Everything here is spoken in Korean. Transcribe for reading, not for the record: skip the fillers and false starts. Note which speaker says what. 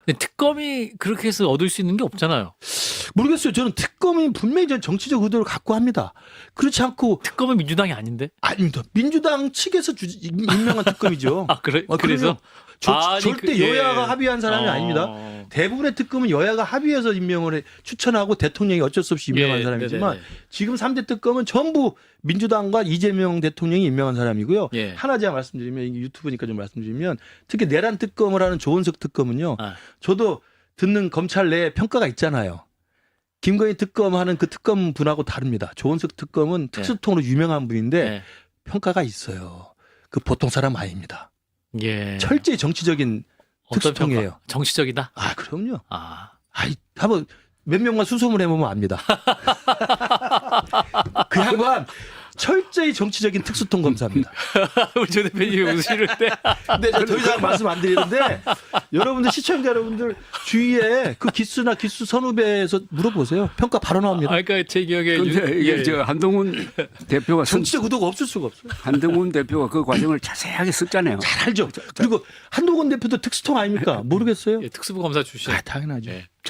Speaker 1: 근데 특검이 그렇게 해서 얻을 수 있는 게 없잖아요.
Speaker 2: 모르겠어요. 저는 특검이 분명히 정치적 의도를 갖고 합니다. 그렇지 않고
Speaker 1: 특검은 민주당이 아닌데?
Speaker 2: 아닙니다. 민주당 측에서 임명한 특검이죠.
Speaker 1: 아 그래?
Speaker 2: 그럼요.
Speaker 1: 그래서 아니,
Speaker 2: 절대
Speaker 1: 예.
Speaker 2: 여야가 합의한 사람이 아닙니다. 대부분의 특검은 여야가 합의해서 임명을 추천하고 대통령이 어쩔 수 없이 임명한
Speaker 1: 예,
Speaker 2: 사람이지만
Speaker 1: 네네네.
Speaker 2: 지금 3대 특검은 전부 민주당과 이재명 대통령이 임명한 사람이고요.
Speaker 1: 예.
Speaker 2: 하나 제가 말씀드리면 이게 유튜브니까 좀 말씀드리면 특히 내란 특검을 하는 조은석 특검은요.
Speaker 1: 아.
Speaker 2: 저도 듣는 검찰 내에 평가가 있잖아요. 김건희 특검하는 그 특검 분하고 다릅니다. 조은석 특검은 특수통으로 유명한 분인데
Speaker 1: 예.
Speaker 2: 평가가 있어요. 그 보통 사람 아닙니다.
Speaker 1: 예.
Speaker 2: 철저히 정치적인
Speaker 1: 어떤
Speaker 2: 특수통이에요.
Speaker 1: 평가? 정치적이다.
Speaker 2: 아, 그럼요.
Speaker 1: 아.
Speaker 2: 아이, 한번 몇 명만 수소문 해보면 압니다. 그 양반 철저히 정치적인 특수통 검사입니다.
Speaker 1: 우리 조 대표님이 웃으시는데.
Speaker 2: 근데 더 이상 말씀 안 드리는데 여러분들 시청자 여러분들 주위에 그 기수나 기수 선후배에서 물어보세요. 평가 바로 나옵니다.
Speaker 1: 아, 그러니까 제 기억에
Speaker 3: 근데 이게 저 한동훈 대표가
Speaker 2: 정치적 의도가 없을 수가 없어요.
Speaker 3: 한동훈 대표가 그 과정을 자세하게 썼잖아요.
Speaker 2: 잘 알죠. 그리고 한동훈 대표도 특수통 아닙니까? 모르겠어요?
Speaker 1: 특수부 검사 출신.
Speaker 2: 아, 당연하죠.
Speaker 1: 예.